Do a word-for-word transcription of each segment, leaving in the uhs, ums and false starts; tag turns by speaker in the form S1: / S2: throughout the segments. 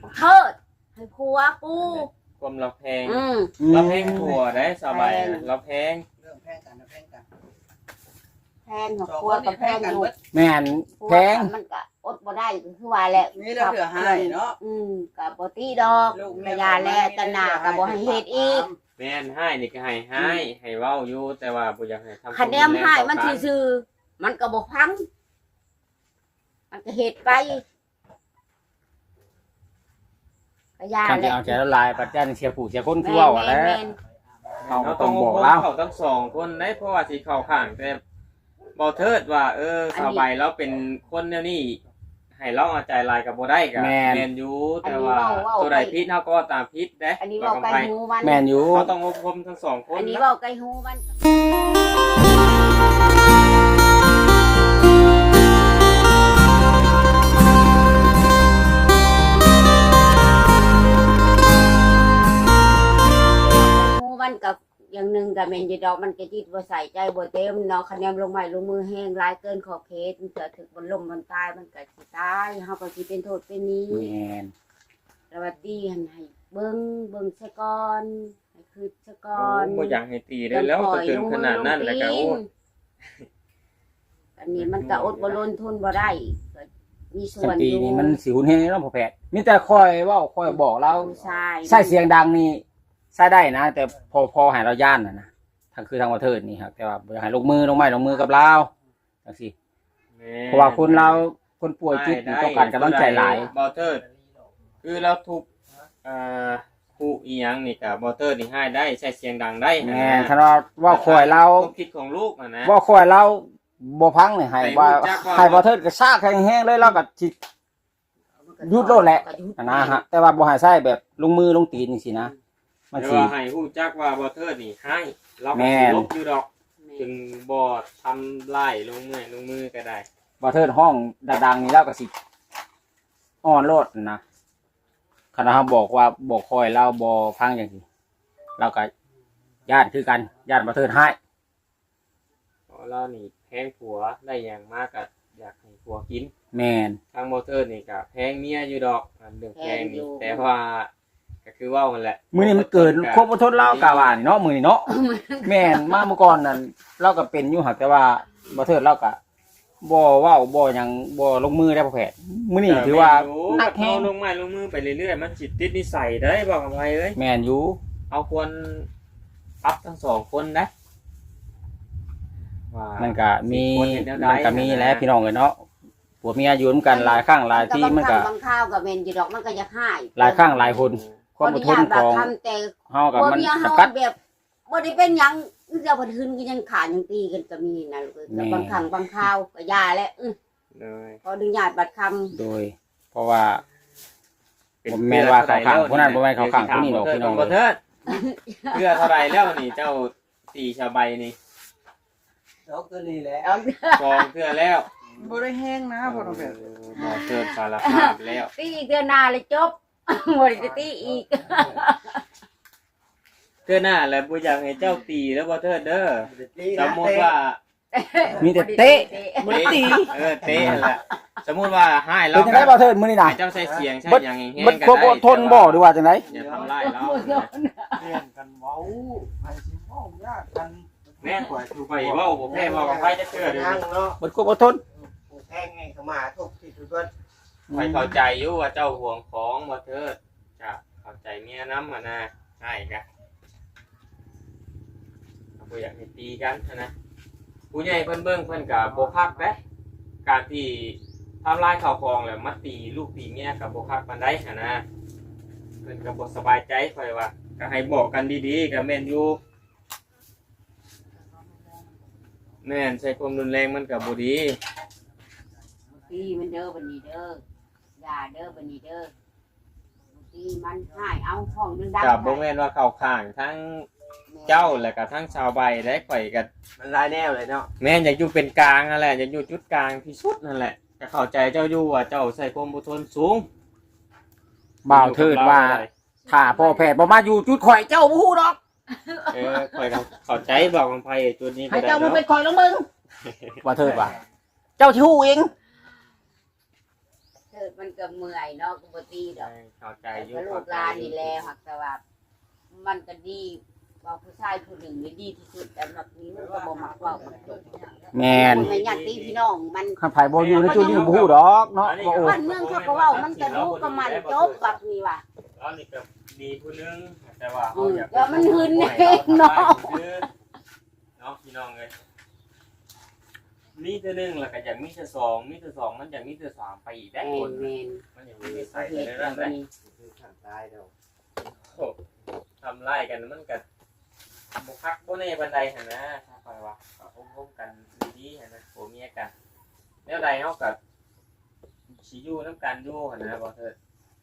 S1: เทิดให้ผัวกู
S2: ความเราแพง
S1: อืม
S2: เราแพงผัวได้สบายเราแพง
S3: เรื่องแพงกันนะแพงกัน
S1: แพงของผัวกับแพงอยู่
S4: แม่นแพง
S1: มันก็อดบ่ได้คือว่าแหละ
S3: นี่เราเหลือให้เนาะ
S1: อืมก็บ่ตีดอกกระยาแลตะหนาก็บ่ให้เฮ็ดอีก
S2: แม่นให้นี่ก็ให้ให้ให้เว้าอยู่แต่ว่าบ่อยากให้ทำ
S1: คะแนนให้มันซื่อๆมันก็บ่พังมันก็เฮ็ดไปกระยา
S4: คัน
S1: แล
S4: ที่เอาใจละลายปัจจัยเสียผู้เสียคนคือเว้าอะแหล้วเขาก็ต้องบอกเรา
S2: เขาทั้งสองคนได้เพราะว่าสิเข้าข้างแต่บ่เทิดว่าเออสบายเราเป็นคนแนวนี้ให้เราเอาใจลายกับบ่ได้ก็แม่นอยู่แต่ว่าตัวใดผิดเฮาก็ตามผิดเด้
S1: อันนี้เว้าไกลหูมัน
S4: แม่นอยู่
S2: เขาต้องอบรมทั้งสองคน
S1: อันนี้
S2: นะ
S1: เว้าไกลหูมันหูมันกับอย่างหนึ่งกับเมนจีดอกมันก็จิตบ่ใส่ใจบ่เต็มเนาะคะแนนลงไม้ลงมือแห้งหลายเกินขอบเขตมันเกิดถึงบนลมบนตายมันก็สิตายเฮาก็สิเป็นโทษเป็นนี้
S4: แม่น
S1: แล้วว่าตีหันให้เบิ่งเบิ่งซะก่อนให้คืดซะก่อน
S2: บ่อยากให้ตีได้แล้วจะถึงขนาดนั้นแล้วก็โอ้
S1: อันนี้มันก็อดบ่ลนทนบ่ได้ก็มีส่
S4: สั
S1: วน
S4: น
S1: อ
S4: ปี
S1: ยู่
S4: นี่มันสิหุนเฮ็ดเนาะพ่อแพทย์มีแต่คอยเว้าคอยบอกเรา
S1: ใช่
S4: ใช้เสียงดังนี่ใช้ได้นะ แต่พอพอให้เราย่านน่ะนะทางคือทางประเทศนี่ครับแต่ว่าบ่อยากให้ลงมือลงไม้ลงมือกับเราจังซี่เพราะว่าคนเราคนป่วยจิตนี่ต้องการกำลังใจหลาย
S2: บอเตอร์คือเราทุกอ่าคู่อีหยังนี่กับบอเตอร์นี่ให้ได้ใช้เสียงดังได้
S4: แม่นคันว่าเว่าคอยเรา
S2: ความคิดของลูกอ่ะนะ
S4: เว่าคอยเราบ่พังนี่ให้ว่า
S2: ให้รู้จักว่า
S4: ให้บ่เทิดก็ซากแห้งๆเลยเราก็สิหยุดโลดแหละนะฮะแต่ว่าบ่ให้ใช้แบบลงมือลงตีนจังซี่นะมัน
S2: แต่
S4: สิ
S2: ว่าให้ฮู้จักว่าบอเตอร์นี่ให้เราก็
S4: แม่
S2: สิ
S4: น
S2: ลบอยู่ดอกจึงบ่ทำลายลงมือลงมือก็ได้
S4: บ่เทิดห้องดังๆนี่เราก็สิอ่อนโลดนะคันเราบอกว่าบ่คอยเราบ่ฟังจังซี่เราก็ญาติคือกันญาติบ่เทิดให้
S2: เพราะเรานี่แพงผัวได้อย่างมากก็อยากให้ผัวกิน
S4: แม่น
S2: ทางบอเตอร์นี่ก็แพงเมียอยู่ดอกอันเรื่องแพงนี่แต่ว่าก็คือว่ามันแหละ
S4: มื้อนี้มันเกินครบอดทนเรากะว่านี่เนาะมื้อนี้เนาะ แม่นมาเมื่อก่อนนั่นเราก็เป็นอยู่หักแต่ว่าบ่เทิดเราก็บ่เว้าบ่หยังบ่ลงมือได้พ่อแพทย์มื้อนี้ถือว่าหนักแฮ
S2: เอา
S4: ง
S2: ลงไม้ลงมือไปเรื่อยๆมันจิตติดนิสัยได้บอกกับไปเอ้ย
S4: แม่นอยู่
S2: เอาควรปรับทั้งสองคนนะว่า
S4: มันก็มี
S2: ควรเห็นแนวใด
S4: มันก็มีแหล้วพี่น้องเอ้ยเนาะผัวเมียอยู่นำกันหลายครั้งหลายที่มันก็
S1: บางข้าวกับเมนจีดอกมันก็จะให้
S4: หลายครั้งหลายคนความอดทนของ
S1: ทำแต่
S4: เฮากับ
S1: บ่
S4: มัน
S1: มีเฮา
S4: จำกัด
S1: แบบบ่ได้เป็นหยังเจ้าบ่ทืนก็ยังขาดยังตีกันก็มีนะลูกเอ้ย
S4: แม่
S1: บางครั้งบางคราวก็ยาแล้วอื้อ
S2: เลย
S1: ขออนุญาตบัดคำ
S4: โดย เพราะว่า ผมแม่นว่าเขาข้างผู้นั้นบ่แม่นเขาข้างผู้นี้ดอกพี่น้อง
S2: บ่เทิดเพื่อเท่าไรแล้วนี่เจ้าตีชาวใบนี่
S3: เดี๋ยวก็นี่แหละ
S1: เอา
S2: กองเพื่อแล้ว
S3: บ่ได้แห้งนะพ่อต้องแบบ
S2: บ่เทิดสารภาพแล้ว
S1: ตีอีกเดือนหน้าเลยจบ บ่ได้ตีอีก
S2: เทื่อหน้าแล้วบ่อยากให้เจ้าตีแล้วบ่เทิดเด้อสมมุติว่า
S4: มีแต่เตะ
S2: บ่ตีเออเตะนั่นแหละสมมุติว่าให้เรา
S4: เป็นจังได๋บ่เทิดมื้อนี้น่ะ
S2: ให้เจ้าใช้เสียงใช้หยังแห้งๆ
S4: มัน
S2: ก็
S4: ควบ
S2: ได้
S4: อดทนบ่หรือว่าจังได๋
S2: อย่าทำร้ายเรา
S3: เรียนกันเว้าให้สิเว้ายากกัน
S2: แม่นกว่าคือไปเว้าบ่แพ้เว้ากับไผจะเชื่อเด้อ
S3: นั่งเนาะ
S4: มันควบอดทน
S3: แทงไงเข้ามาทุกที่ทุกคน
S2: ไปเข้าใจอยู่ว่าเจ้าห่วงของบ่เทิดจะเข้าใจเมียนำอ่ะนะใช่กะบ่อยากให้ตีกันนะผู้ใหญ่เพิ่นเบิ่งเพิ่นก็บ่คักเด้การที่ทำลายข้าวของแล้วมาตีลูกตีเมียก็บ่คักปานใดหันนะเพิ่นก็บ่สบายใจค่อยว่าก็ให้บอกกันดีๆก็แม่นอยู่แม่นใช้ความรุนแรงมันก็บ่ดี
S1: ตีมันเด้อบัดนี้เด้ออย่าเด้อบัดนี้เด้อตีมันให้เอาห้องดังๆ
S2: กับบ่แม่นว่าเข้าข้างทั้งเจ้าและก็ทั้งชาวใบได้ข่อยกัน
S3: มันหลายแนวเลยเนาะ
S2: แม่นอยากอยู่เป็นกลางนั่นแหละอยากอยู่จุดกลางที่สุดนั่นแหละก็เข้าใจเจ้าอยู่ว่าเจ้าใส่ความอดทนสูง
S4: บ่าวเทิดว่าถ้าพ่อแพทย์บ่มาอยู่จุดข่อยเจ้าบ่ฮู้ดอก
S2: เออข่อยก็เข้าใจบอกของไผจุดนี้ก็
S4: ให้
S2: ได้
S4: เจ้ามา
S2: เนาะ
S4: เป็นข่อยแล้วมึงว่าเทิดว่าเจ้าสิฮู้เอง
S1: เธอถิดมันก็เมื่อยเนาะก็บ่ตีดอก
S2: เข้าใจอยู่
S1: ก็ลูกหลานนี่แหละหักแต่ว่ามันก็ดีว่าผู้ชายผู้หนึ่งนี่ดีที่สุดแต่แบบนี้มันก็บ่มักเว้ามันจบ
S4: แม่น
S1: มันญาติพี่น้องมัน
S4: คันไผบ่อยู่ในจุดนี้บ่ฮู้ดอกเนาะบ่โอ้
S1: บ้านเมืองเขาก็เว้ามันก็รู้ก็มันจบบักนี้ว่ะ
S2: เรานี่ก็ดีผู้นึงแต่ว่า
S1: อื
S2: เขา
S1: ม
S2: อยาก
S1: แล้วมันหึนเองเนาะ
S2: เนาะพี่น้องเอ้ยมีแต่หนึ่งแล้วก็อยากมีแต่สองมีแต่สองมันอยากมีแต่สามไปอีกได้
S1: แม่
S2: คน
S1: นแม่น
S2: มันอยากมีแต่
S1: ป
S2: ใส่
S1: ระเท
S2: ใน
S1: ศ
S2: นั้
S1: เรา
S2: นได้
S1: นี่
S3: คือขันตายเด้อ
S2: โอ้ทำไล่กันมันก็บุคักบ่ในบันไดหั่นนะถ้าไปว่าก็ร่วมกันดีๆหั่นนะผัวเมียกันแล้วใดเฮาก็สิอยู่นำกันอยู่หั่นนะบ่เถิด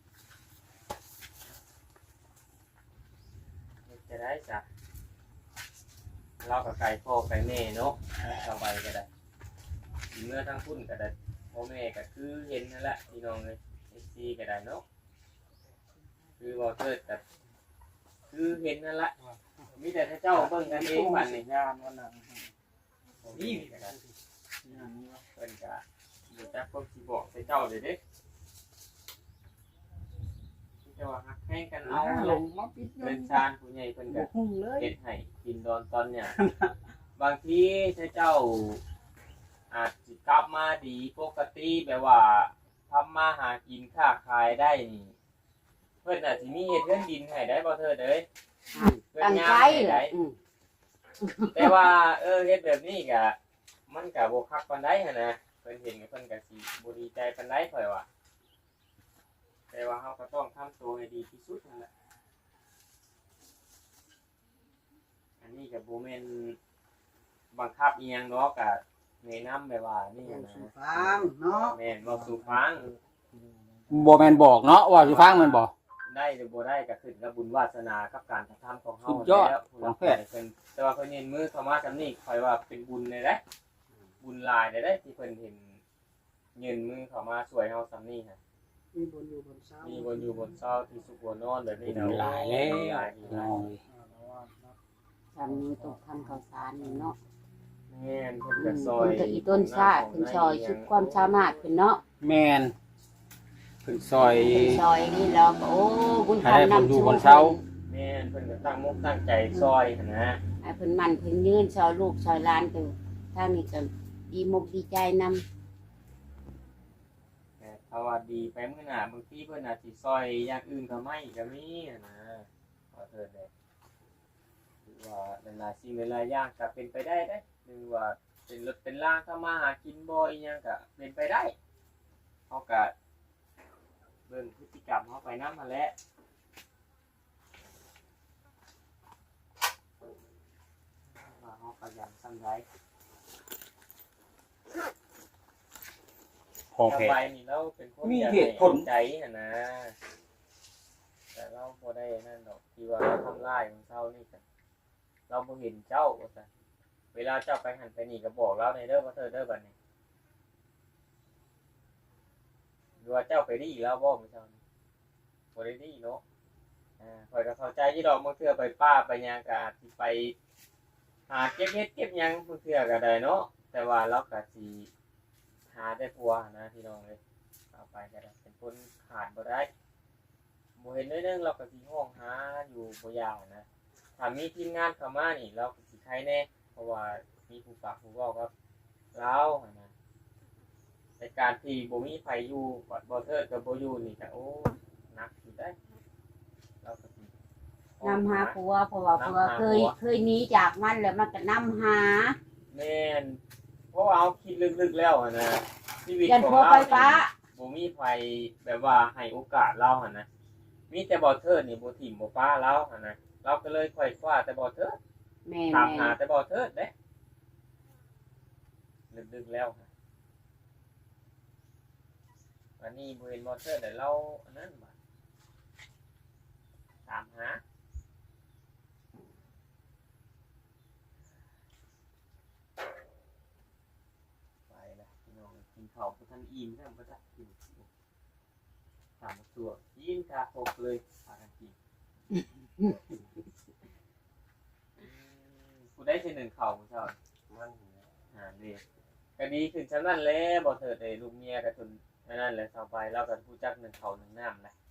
S2: เฮ็ดจะได้จ้ะเราก็ไก่พ่อไก่แม่เนาะสบายก็ได้เมื่อทั้งพุ่นก็ได้พ่อแม่ก็คือเห็นนั่นแหละพี่น้องเอ้ย เอฟ ซี ก็ได้เนาะคือบ่เถิดก็คือเห็นนั่นแหละมีแต่เจ้าเบิ่งกันเองบัดนี้
S3: งานวันนั้น
S2: นี่ก็ได้เพิ่นก็บ่จักความสิบอกใส่เจ้าเด้เด้ที่จะว่าฮักแห้งกันเอา
S3: ล
S2: ลง
S3: งมาปิด
S2: เพิ่นชานผู้ใหญ่เพิ่นก็
S3: หุ่งเลย
S2: เฮ็ดให้กินดอนตอนเนี่ยบางทีถ้าเจ้าอาจสิกลับมาดีปกติแบบว่าทำมาหากินค้าขายได้นี่เพิ่นอาจสิมีเฮ็ดเรือนดินให้ได้บ่เถิดเด้ย
S1: ตั้งใจแหละอืม
S2: แต่ว่าเออเฮ็ดแบบนี้ก็มันก็บ่คักปานใดหั่นนะเพิ่นเห็นเพิ่นก็สิบ่ดีใจปานใดข่อยว่าแต่ว่าเฮาก็ต้องทำตัวให้ดีที่สุดนั่นแหละอันนี้ก็บ่แม่นบังคับอีหยังดอกก็แนะนำแบบว่านี่นะ
S3: ฟังเนาะ
S2: แม่นเว้าสู่ฟัง
S4: บ่แม่นบอกเนาะว่าสิฟังแม่นบ่
S2: ได้หรือบ่ได้ก็ขึ้นกับบุญวาสนากับการกระทำของเฮา
S4: สุดยอด
S2: แล้ว
S4: ของแพทย์
S2: เพิ่นแต่ว่าเพิ่นเห็นมือเข้ามากันนี่ข่อยว่าเป็นบุญเลยเด้บุญหลายเลยเด้ที่เพิ่นเห็นเงินมือเข้ามาช่วยเฮาซำนี้ฮะ
S3: มีบนอยู่บนเสา
S2: มีบนอยู่บนเช้าที่สุขบนนอนแบบนี้
S4: บุญหลายแล้ว
S2: หลายหลาย
S1: ทำนี้ต้องทำข้าวสารนี่เนาะ
S2: แม่นเพิ่นก็ซอย
S1: มันก็อีต้นชาติเพิ่นซอยสุดความสามารถเพิ่นเนาะ
S4: แม่นเพิ่นซอย
S1: เพิ่นซอยนี่แล้วก็โอ้บุญ
S4: ให้ได้
S1: คำ
S4: บุญ
S1: นำ
S4: อยู่
S1: ชู
S4: บนเสา
S2: แม่นเพิ่นก็ตั้งมุกตั้งใจซอยหั่นนะ
S1: ให้เพิ่นมันเพิ่นยืนซอยลูกซอยหลานตัวทางนี้ก็ดีมกดีใจนำ
S2: แต่ถ้าว่าดีไปมื้อหน้าบางทีเพิ่นอาจสิซอยอย่างอื่นก็ไม่ก็มีหั่นนะขอเถิดเลยหรือว่าหลายๆสิ่งหลายๆอย่างก็เป็นไปได้เด้หรือว่าเป็นรถเป็นล่างเข้ามาหากินบ่อีหยังก็เป็นไปได้เฮาก็เบิ่งพฤติกรรมเฮาไปนำหั่นแหละว่าเฮาขยันส่ำใด
S4: พอ
S2: ต่อ
S4: แพ้
S2: ไปนี่เราเป็นคน
S4: มี
S2: อยาก
S4: เหตุผล
S2: ให้ใจหั่นนะแต่เราบ่ได้นั่นดอกที่ว่าเราทำร้ายของเจ้านี่กันเราบ่เห็นเจ้าว่าซั่นเวลาเจ้าไปหันไปนี่ก็บอกเราในเด้อว่าเธอเด้อบัดนี้หรือว่าเจ้าไปดีแล้วบ่มื้อเช้านี้บ่ได้ดีเนาะอ่าข่อยก็เข้าใจอยู่ดอกบางเทื่อไปป้าไปหยังก็อาจสิไปหาเก็บเฮ็ดเก็บหยังบางเทื่อก็ได้เนาะแต่ว่าเราก็สิหาได้ผัวนะพี่น้องเอ้ยเอาไปก็ได้เป็นคนขาดบ่ได้บ่เห็นได้นึงเราก็สิห้องหาอยู่บ่ยากนะถ้ามีทีมงานเข้ามานี่เราก็สิใครแน่เพราะว่ามีผู้ปากผู้เว้าครับเราหั่นนะในการที่บ่มีไผอยู่บ่บ่เทิดกับบ่อยู่นี่ก็โอ้หนักอยู่ได้เราก็สิห้อง
S1: นำหาผัวเพราะว่าผัวเคยเคยหนีจากมันแล้วมันก็นำหา
S2: แม่นเพราะว่าเอาคิดลึกๆแล้วอะนะชีวิต
S1: ยัน
S2: ของ
S1: ผัว
S2: เรา
S1: ไฟฟ้า
S2: บ่มีไผแบบว่าให้โอกาสเราหั่นนะมีแต่บ่เทิดนี่บ่ถิ่มบ่ป้าเราหั่นนะเราก็เลยค่อยคว้าแต่บ่เทิด
S1: แม่
S2: ถาม
S1: แม่
S2: หาแต่บ่เทิดเด้ลึกๆแล้วค่ะวันนี้บ่เห็นบ่เทิดแต่เราอันนั้นบ่ถามหาไปละพี่น้องกินข้าวบ่ทันอิ่มแล้วบ่ทันกินถามตัวกินกาโคกเลยพากันกินกูได้ทีหนึ่งเข่าของเจ้า
S3: มัน
S2: อ่านี่ก็ดีขึ้นชั้นนั้นแหล้วบ่เถิดไอ้ลูกเมียกับทุนไทไม่นั่นแหละต่อไปเราก็รู้จักหนึ่งเขาหนึ่งน้ำนะ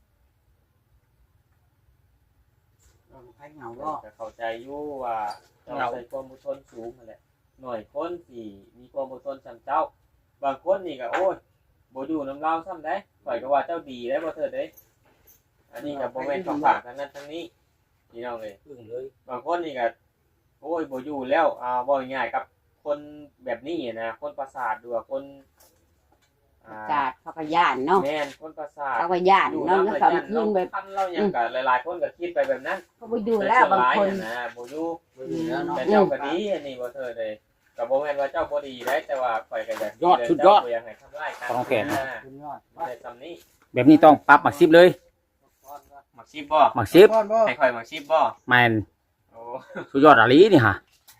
S3: เราไผเหงา
S2: ก็
S3: ก็
S2: เข้าใจอยู่ว่าเจ้าใช้ความอดทนสูงนั่นแหละหน่อยคนที่มีความอดทนจำเจ้าบางคนนี่ก็โอ้ยบ่อยู่น้ำเล่าซ้ำได้ข่อยก็ว่าเจ้าดีได้บ่เถิดเด้อันนี้ก็บ่แม่นของฝากทั้งนั้นทั้งนี้พี่น้องเอ้ย
S4: อึ้งเลย
S2: บางคนนี่ก็โอ้ยบ่อยู่แล้วอ่าบ่ง่ายๆกับคนแบบนี้นะคนประสาทดูว่าคนอ่า
S1: จาดเขาก็ย่านเนาะ
S2: แม่นคนประสาท
S1: เขาก็ย่าน
S2: อยู่
S1: เนาะ
S2: แล้ว
S1: แล้ว
S2: ก็
S1: สำ
S2: ยัน
S1: คื
S2: เรา
S1: นแบบ
S2: ทำเราอย่างก็หลายๆคนก็คิดไปแบบนั้น
S1: เขาไปอยู่แล้วบางคน
S2: นะบ่อยู่
S3: บ่อยู่แล้วเนาะ
S2: แต่เจ้าก็ดีอันนี้บ่เถิดเลยก็บ่แม่นว่าเจ้าบ่ดีได้แต่ว่าข่อยก็อยาก
S4: ยอดสุดยอด
S2: เจ้าบ่อยากให้ทำร้ายกัน
S4: ต้องแขน
S2: นะ
S3: คุณยอด
S2: แต่ซำนี้
S4: แบบนี้ต้องปรับหมักซิบเลย
S2: หมักชิบบ่
S4: หมักซิบ
S3: บ่บ่
S2: ให้ข่อยหมักชิบบ่
S4: แมน
S2: โอ้
S4: สุดยอดอะลีนี่ฮะ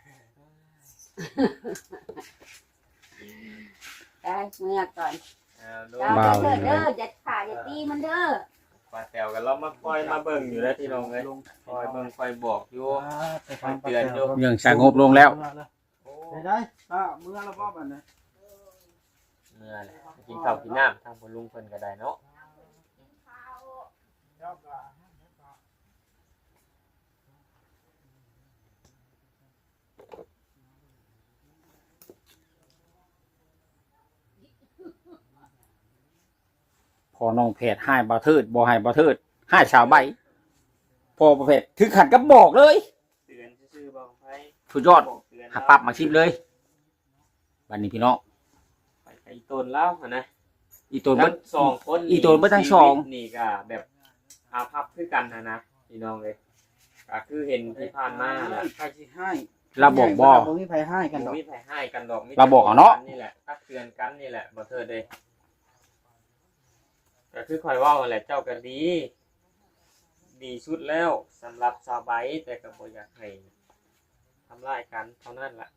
S1: ได้เมื่อก่อน
S2: เอาดู
S1: เจ้าเด้อเด้ออย่าขาอย่าตีมันเด้อ
S2: ป้าแตวก็เรามาคอยมาเบิ่งอยู่แล้วพี่น้องเอ้ย
S3: ลง
S2: คอยเบิ่งคอยบอกอยู่
S3: ไปฟังเตือนอยู่
S4: ยังสงบลงแล้ว
S2: โอ้
S3: ได้ได้อ่าเมื่อละบ่บัดนี้
S2: เมื่อแหละกินข้าวกินน้ำทางพ่อลุงเพิ่นก็ได้เนาะ
S4: พอน้องเพจให้บ่เทิดบ่ให้บ่เทิดให้ชาวใบพอประเภทถึงขันก็บอกเลย
S2: เตือนซื่อๆบ่ไผ
S4: สุดยอด
S2: บอกเตือน
S4: หักปรับหมักซิบเลยบัดนี้พี่น้อง
S2: ไปไกลต้นแล้วหั่นนะ
S4: อีตัวเบิ
S2: ทั้
S4: ด
S2: งสองคน
S4: อีตัวเบิดทั้งสอง
S2: ชีวิตนี่ก็แบบอาภัพคือกันนะนะพี่น้องเอ้ยก็คือเห็นที่ผ่านมาน่ะ
S3: ใครสิให้
S4: เราบอกบ่
S3: บ่มีไผให้กันดอก
S2: มีไผให้กันดอกมี
S4: เราบอกเอาเนาะ
S2: นี่แหละตักเตือนกันนี่แหละบ่เถิดเด้ก็คือคอยเว่าแหละเจ้าก็ดี ดีสุดแล้วสำหรับสาวใบแต่ก็บ่อยากให้ทำร้ายกันเท่านั้นล่ะ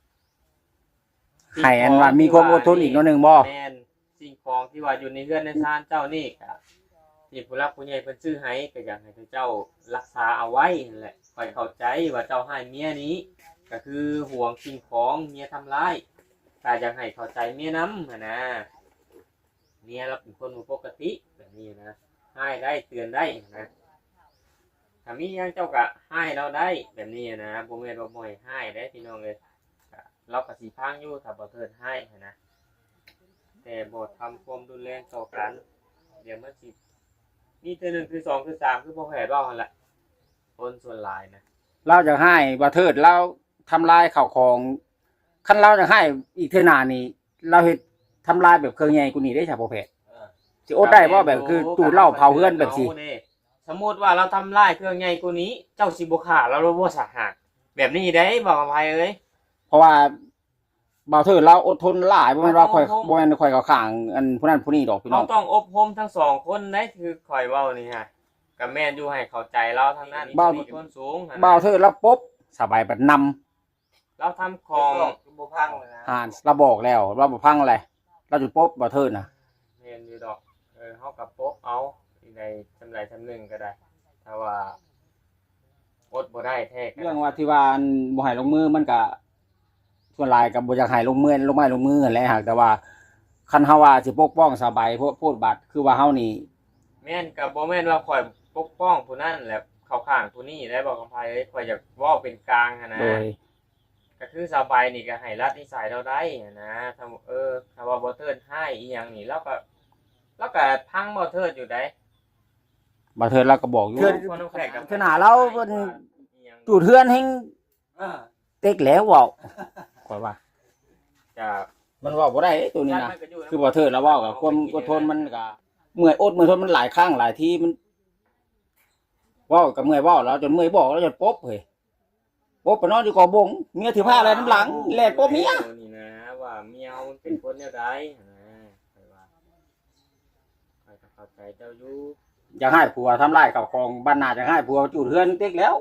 S4: ให้อันว่ามีความอดทนอีกหนิดนึงบ่
S2: แม่นสิ่งของที่ว่าอยู่ในเรือนในศาลเจ้านี่ก็ที่ผู้รักผู้ใหญ่เพิ่นซื้อให้ก็อยากให้เจ้ารักษาเอาไว้นั่นแหละคอยเข้าใจว่าเจ้าให้เมียนี้ ก็คือห่วงสิ่งของเมียทำร้ายก็อยากให้เข้าใจเมียนำหั้นนะเมียเราเป็นคนบ่ปกติแบบนี้นะให้ได้เตือนได้นะถ้ามีหยังเจ้าก็ให้เราได้แบบนี้นะบ่แม่นว่าบ่ให้ให้ได้พี่น้องเอ้ยก็เราก็สิพังอยู่ถ้าบ่เทิดให้หั้นนะแต่บ่ทำความรุนแรงต่อกันเดี๋ยวมันสิมีเทื่อหนึงคือสองคือสามคือบ่แพ้เว้าหั่นแหละคนส่วนหลายนะ
S4: เราจะให้บ่เทิดเราทำลายข้าวของคันเราจะให้อีกเทื่อหน้านี่เราเฮ็ดทำลายแบบเครื่องใหญ่กว่านี้ได้ใช่บ่แพทย์สิอดได้บ่แบบคือตูดเหล้าเผาเฮือนแบบสิ
S2: สมมุติว่าเราทำลายเครื่องใหญ่กว่านี้ เจ้าสิบ่ฆ่าเราบ่สาหัสแบบนี้ได้บอกอภัยเอ้ย
S4: เพราะว่าบ่เทิดเราอดทนหลายบ่แม่นว่าข่อยบ่แม่นข่อยเขาข้างอันผู้นั้นผู้นี้ดอกพี่น้
S2: เรา
S4: อง
S2: ต้องอบรมทั้งสองคนได้คือคอยเว้านี่ฮะกับแม่นอยู่ให้เข้าใจเราทั้งนั้นมีคนสูง
S4: บ่เทิดเราปุ๊บสบายบัดนำ
S2: เราทำของ
S3: บ่พังเลยนะ
S4: หานเราบอกแล้วเราบ่พังอะไรเราจุดปุ๊บบ่เทิดน่ะ
S2: แม่นอยู่ดอกเออเฮากับปบเอาอีกในจำไรจำหนึ่งก็ได้ถ้าว่าอดบ่ได้แท้ก็
S4: เรื่องว่าที่ว่าอันบ่ให้ลงมือมันก็ส่วนหลายก็บ่อยากให้ลงมือลงไม้ลงมือนั่นแหละหากแต่ว่าคันเฮาว่าสิปกป้องสบายพวกพูดบัดคือว่าเฮานี่
S2: แม่นกับบ่แม่นว่าข่อยปกป้องผู้นั้นแหละเข้าข้างผู้นี้ได้บอกอภัยเอ้ยข่อยอยากเว้าเป็นกลางหั้นนะ
S4: โดย
S2: ก็คือสบายนี่ก็ให้รัดนิสัยเราได้นะถ้าเออถ้าว่าบ่เทิดให้อีหยังนี่เราก็เราก็พังบ่เทิดอยู่ได้
S4: บ่เทิดเราก็บอกอยู่
S2: คนน้ำแขกกับ
S4: ขนาดเราเพิ่นจูดเทือนแห่ง
S3: เออ
S4: เต็กแล้วเว้าข่อยว่า
S2: จะ
S4: มันเว้าบ่ได้เอ้ยตัวนี้นะคือบ่เทิดแล้วเว้าก็ความอดทนมันก็เมื่อยอดเมื่อยทนมันหลายครั้งหลายทีมันเว้าก็เมื่อยเว้าแล้วจนเมื่อยบอกแล้วจนปบเฮ้ยปบไปนอนอยู่กอบงเมียถือผ้าอะไรน้ำหลังแล่นปบเมีย
S2: นี่นะว่าเมียมันเป็นคนแนวใดนะข่อยว่าข่อยก็เข้าใจเจ้าอยู่
S4: อยากให้ผัวทำลายข้าวของบ้านนาจะให้ผัวจูดเทือนเต็กแล้ว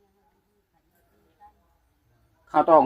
S4: เขาต้อง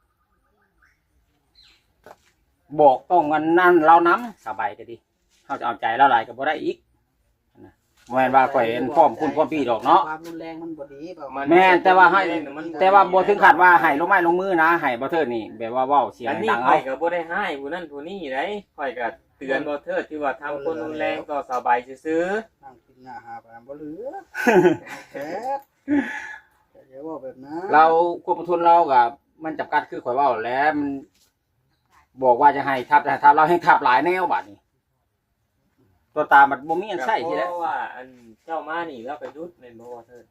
S4: บอกต้องกันนั่นเราน้ำสบายก็ดีเขาจะเอาใจเราหลายก็บ่ได้อีกนะแม่นว่าข่อยเห็นพร้อมคุณพร้อมพี่ดอกเนาะ
S3: ความรุนแรงมันบ่ดีเปล่า
S4: แม่นแต่ว่าให้ แต่ว่าบ่ถึงขัดว่าให้ลงไม้ลงมือนะให้บ่เทิดนี่แบบว่าเว้าเสียง
S2: อันนี้
S4: ดัง
S2: ข่
S4: เอา
S2: อยก็บ่ได้ให้ผู้นั้นผู้นี้ได้ข่อยก็เตือนบ่เทิดที่ว่าทำคนรุนแรงต่อสาวใบซื่อ
S3: นั่งกินหน้าหาไปบ่เหลือแท้เดี๋ยวว่าแบบนั้น
S4: เราควบคุมทุนเรากับมันจำกัดคือข่อยเว่าแล้วมันบอกว่าจะให้ทับแต่ทับเราให้ทับหลายแนวบัดนี้ ตัวตามันบ่มีอัน
S2: ๆ
S4: ใช่ที
S2: เพ
S4: แล้ว
S2: ราะว่าอันเจ้ามานี่เราไปยุดแม่นบ่ว่าเทิด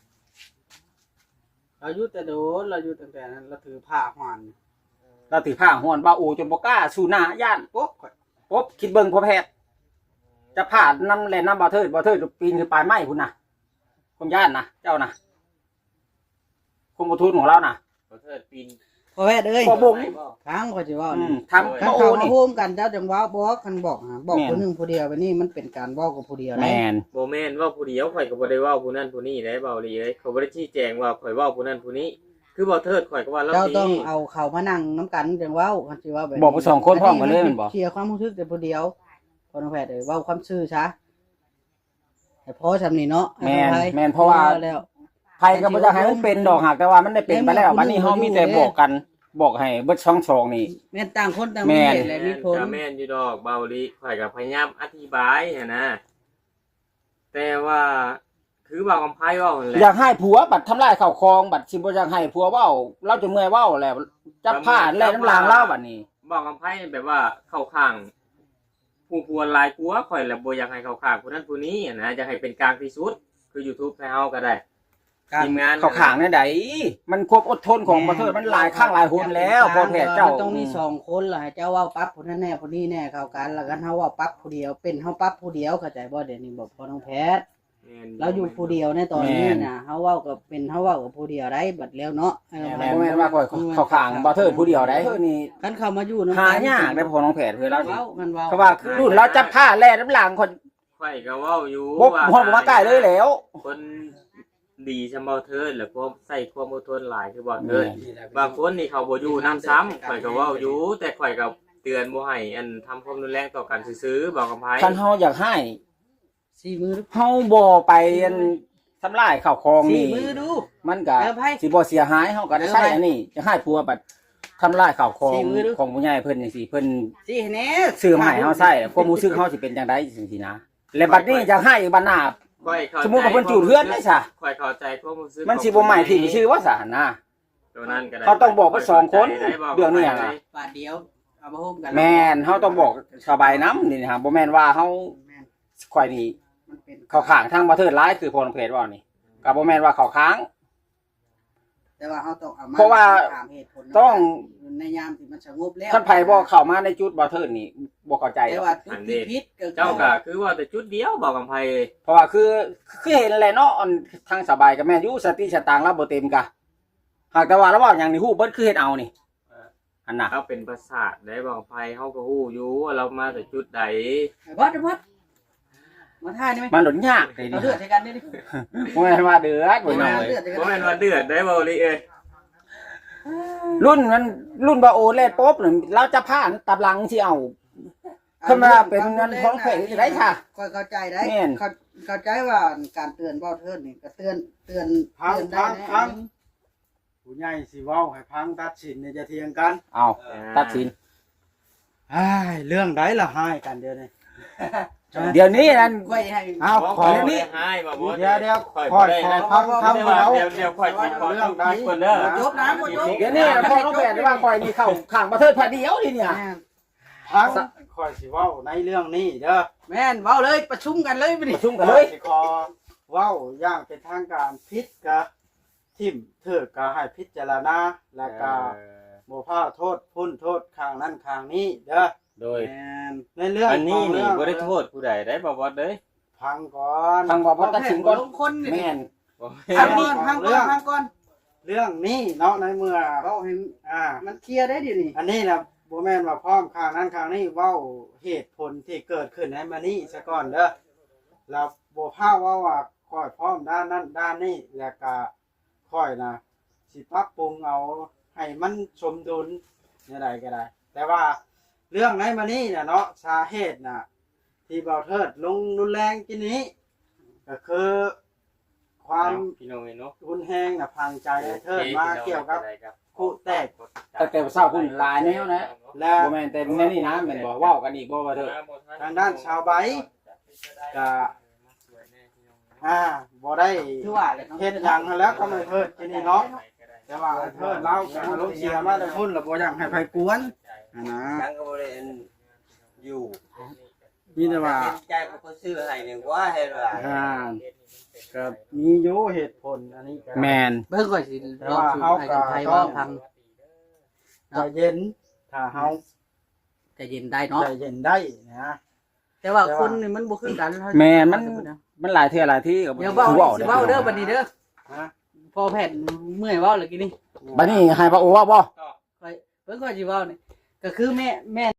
S3: เราอยู่แต่โดนเราอยู่ตั้งแต่นั้นเราถือผ้าหวาน
S4: เราถือผ้าห้อนบ่าอูจนบ่กล้าสู้หน้าย่าน
S3: ปุ๊บข่อย
S4: ปุ๊บคิดเบิ่งพ่อแพทย์จะผ่านน้ำแลน้ำบ่เทิดบ่เทิดปีนขึ้นปลายไม้พุ่นน่ะผมย่านนะเจ้านะคุมทุนของเราน่ะ
S2: บ่เทิดปีน
S3: พ่อแพทย์เอ้ย
S4: พ่อบ่ง
S3: ทางข่อยสิเว้า
S4: อื
S3: นี่
S4: มทำ
S3: คัน
S4: บ่โอ
S3: เขามา
S4: นี่
S3: โฮมกันเจ้าจังว่าบ่คันบอกหาบอก
S4: แม่น
S3: ผู้หนึงผู้เดียวไปนี่มันเป็นการเว้ากับผู้เดียว
S4: แม
S3: นะ
S4: น
S2: บ่แม่นเว่าผู้เดียวข่อยก็บ่ได้เว้าผู้นั้นผู้นี้ได้เบาลีเอ้ยเขาบ่ได้ชี้แจงว่าข่อยเว้าผู้นั้นผู้นี้ คือบ่เทิดข่อยก็ว่าเรา
S3: เจ้า
S2: ดี
S3: ต้องเอาเขามานั่งน้ำกันจังเว้าคันสิว่าแบบ
S4: บอกไปสองคนพร้อมกันเลยแมันบอก
S3: เคลียร์ความรู้สึกแต่ผู้เดียวพ่อน้องแพทย์เอ้ยเว้าความซื่อซะให้พอซำนี่เนาะ
S4: แมน
S3: ให้
S4: แมนเพราะว่า
S3: แล้ว
S4: ไผก็บ่อยากให้มันเป็นดอกหักแต่ว่ามันได้เป็นไปแล้วบัดนี้เฮามีแต่บอกกัน บอกให้เบิดช่องชองนี่
S3: แม่นต่างคนต่าง
S4: แม่
S3: มี
S4: น
S3: เหตุและมีผล
S2: ก็แม่นอยู่ดอกเบาลีข่อยก็พยายามอธิบายหันนะ แต่ว่าคือว่าคำไพ่เว้านั่นแหละ
S4: อยากให้ผัวบัดทำลายข้าวของบัดสิบ่อยากให้ผัวเว้าเราจะเมื่อยเว้าแล้วจับผ้าแล่น้ำลางเล่าบัดนี้
S2: บอกคำไพ่แบบว่าเข้าข้างผู้พวนหลายกัวข่อยแล้วบ่อยากให้เข้าข้างผู้นั้นผู้นี้อะนะจะให้เป็นกลางที่สุดคือ YouTube ให้เฮาก็ได้
S3: การ
S2: ทีมงาน
S4: เข้าข้างเนี่ยใดมันควบอดทนของประเทศมันหลายข้างหลายหนแล้วพอแพทย์เจ้า
S3: มันต้องมีสองคนล่ะให้เจ้าเว้าปั๊บผู้นั้นแน่ผู้นี้แน่เข้ากันแล้วกันเฮาเว้าปั๊บผู้เดียวเป็นเฮาปั๊บผู้เดียวเข้าใจบ่เดี๋ยวนี้บอกพ่อน้องแพทย์
S2: แม่น
S3: เราอยู่ผู้เดียวในตอนนี้น่ะเฮาเว้ากับเป็นเฮาเว้ากับผู้เดียวได้บัดแล้วเนาะ
S4: แม่นบ่แม่นว่าข่อยเข้าข้างบ่เทิดผู้เดียวได้เทิดนี่
S3: กันเข้ามาอยู่นำ
S4: หายากได้พอน้องแพทย์คือเราสิ
S3: เว้ากันเว้า
S4: เพราะว่าคือรุ่นเราจับผ้าแล่น้ำลางคน
S2: ข่อยก็เว้าอยู่
S4: บ่ฮอดบ่มาใกล้เลยแล้ว
S2: คนดีซำบ่เทิดแล้วก็ใส่ความอดทนหลายคือบ่เทิด บางคนนี่เขาบ่อยู่น้ำซ้ำข่อยก็เว้าอยู่แต่ข่อยก็เตือนบ่ให้อันทำความรุนแรงต่อกันซื่อๆบอกกับไผ
S4: คันเฮาอยากให้
S3: สี่มือ
S4: เฮาบ่ไปอันทำลายข้าวของ
S3: สี่
S4: นี่
S3: มือดู
S4: มันก็
S3: เออไผ
S4: สิบ่เสียหายเฮาก็ได้ใช้
S3: เออไผ
S4: อันนี้จะให้ผัวบัดทำลายข้าวของ
S3: สี่มือดู
S4: ของผู้ใหญ่เพิ่นจังซี่เพิ่น
S3: สี่แน่
S4: ซื้อมาให้เฮาใช้ความรู้สึกเฮาสิเป็นจังไดจังซี่นะและบัดนี้จะให้บัดหน้า
S2: ข่อยเข้า
S4: สมมุติว่าเพิ่นจูดเฮือนได้ซะ
S2: ข่อยเข้าใจความรู้สึก
S4: มันสิบ่หมายถึงชื่อว่าสานะ
S2: ตัวนั้นก็ได้
S4: เขาต้องบอกว่าสองคน
S2: ได้บอก
S4: เรื่องนี้อะ
S2: ไป
S3: บาทเดียวเอามาโฮมกัน
S4: แม่นเฮาต้องบอกสบายน้ำนี่นะฮะบ่แม่นว่าเฮา
S3: แม่น
S4: ข่อยนี่
S3: มันเป็น
S4: เข้าข้างทางประเทศร้ายคือพลเพจว่านี่ก็บ่แม่นว่าเข้าข้าง
S3: แต่ว่าเฮาต้องเอามา
S4: เพราะว่า
S3: ถามเหตุผล
S4: ต้อง
S3: ในยามที่มันสงบแล้ว
S4: ท่านไผบ่เข้ามาในจุดบ่เทิดนี่บ่เข้าใจหร
S3: แต่
S4: อก
S3: ว่าจุดที่ผิดก็คือ
S2: เจ้าก็คือว่าแต่จุดเดียวบอกกับไผ
S4: เพราะว่าคือคือเห็นแหละเนาะอันทางสบายก็แม่นอยู่สติสตางค์เราบ่เต็มกะหากแต่ว่าเราเว้าหยังนี่ฮู้เบิดคือเฮ็ดเอานี่อันน่ะ
S2: เขาเป็นประสาทได้บอกกับไผเฮาก็ฮู้อยู่ว่าเรามาแต่จุดใด
S3: ไอ้บอสไอ้บอสมาท่ายนี่ไหม
S4: มันหลนยากเลย
S3: เรา
S4: นี่
S3: เลือดใส่กันนี่ดิ
S4: บ่แม่นว่าเดือดบ่น้อง
S3: เลื
S4: เอ้
S3: อย ดใส่กั
S2: บ่แม่นว่าเดือดได้บ่ลิเอ้ย
S4: รุ่นมันรุ่นบ่โอเล่ป๊บนี่เราจะผ่านตับหลังสิเอา ขึ้นมาเป็นเงินของแข็งสิได้ค่ะ
S3: ค่อยเข้าใจได้
S4: แม่น
S3: เข้าเข้าใจว่าการเตือนเบ้าเทิดนี่ก็เตือนเตือน
S5: พัง
S3: เตือนได้
S5: พัง
S3: นะ
S5: พังผู้ใหญ่สิเว้าให้พังตัดสินเนี่ยจะเถียงกัน
S4: เอาตัดสิน
S5: อ้ายเรื่องใดล่ะให้กันเดี๋ยวนี้
S4: เดี๋ยวนี้นั่น
S3: ค่อยให้
S5: อ้าว
S2: ข
S5: ข
S2: อ
S5: อ
S2: นี่ให้บ่บ่
S5: เดี๋ยวเดี๋ยว
S2: ข่อย
S5: คอย
S2: บ่ได้
S5: คอย
S2: นะ
S5: พังพัง
S2: เดี๋ยว
S5: เรา
S2: เดี๋ยวเดี๋ยวข่อยสิขอต้องคิดก่อนเด้อ
S3: จบนะบ่จบ
S4: เดี๋ยวนี้พ่อน้องแปดว่าคอยนี่เข้าข้างประเทศพอดีเดียวนี่เนี่ย
S3: แม่น
S5: พังคอยสิเว้าในเรื่องนี้เด้อ
S3: แม่นเว้าเลยประชุมกันเลยบ่
S4: ป
S3: นี่
S4: ระชุมกันเลย
S5: สิขอเว้าอย่างเป็นทางการพิษกะทิมเถิดกะให้พิจารณาแล้วก็บ่พาโทษพุ่นโทษข้างนั้นข้างนี้เด้อ
S2: โดย
S3: แม่น
S5: ในเรื่อง
S2: อันนี้
S5: ของ
S2: นี่
S5: เรื่อง
S2: บ่ได้โทษผู้ใดได้บ่บ่เด้ย
S5: พังก่อน
S4: ฟังบอกว่าตัดสินก่อน
S3: ลงคนนี่
S4: แม่น
S2: บ่
S3: พังก่อนพังก่อนพังก่อน
S5: เรื่องนี้เนาะในเมื่อ
S3: เว้าให้
S5: อ่า
S3: มันเคลียร์ได้เดี๋ยวนี้
S5: อันนี้นะบ่แม่นว่าพร้อมข้างนั้นข้างนี้เว้าเหตุผลที่เกิดขึ้นให้มานี่ซะก่อนเด้อแล้วบ่พาว่าว่าค่อยพร้อมด้านนั้นด้านนี้แล้วก็ค่อยนะสิปรับปรุงเอาให้มันสมดุลเนี่ยใดก็ได้ แต่ว่าเรื่องในมานี่น่ะเนาะสาเหตุน่ะ ที่เบาเทิดลงรุนแรงกินนี้ ก็คือความ
S2: พี่น้องเนาะ
S5: รุนแรงน่ะพังใจให้เทิดมาเกี่ยวกับ คู่แตก
S4: แต่แต่เศร้าคุณหลายแนวนะ
S5: และ
S4: บ่แม่นแต่แนวนี้นะแม่นบ่เว้ากันอีกบ่ว่าเถิด
S5: ทางด้านชาวใบก็อ่าบ่ได้
S3: คือว่าเลยเนาะ
S5: เฮ็ดหยังหั้นแล้วก็ไม่เทิดที่นี่เนาะแต่ว่าเทิดเราก็อารมณ์เสียมาแต่พุ่นแล้วบ่อยากให้ไผกวนอ่านะ
S6: ยังก็บ่ได้อยู่
S5: มีแต่ว่า
S6: ใจก็บ่ซื้อให้นึงว่าเฮ็ดว่า
S5: อ่าก็มีอยู่เหตุผลอันนี้ก็
S4: แม่น
S3: เบิ่งก่อนสิลองสูตรให้กันไทยว่าพัง
S5: ใจเย็นถ้าเฮา
S3: ใจเย็นได้เนาะ
S5: ใจเย็นได้นะ
S3: แต่ว่าคนนี่มันบ่คือกัน
S4: แม่นมันมันหลายเทื่อหลายที่ก็บ่
S3: อย่าเว้า
S4: เว้า
S3: สิเว้าเด้อบัดนี้เด้อ
S5: ฮะ
S3: พอแผ่นเมื่อยเว้าเลยกินนี่
S4: บัดนี้ให้พระโอเว้าบ่
S3: เบิ่งก่อนสิเว้านี่ก็คือแม่แม่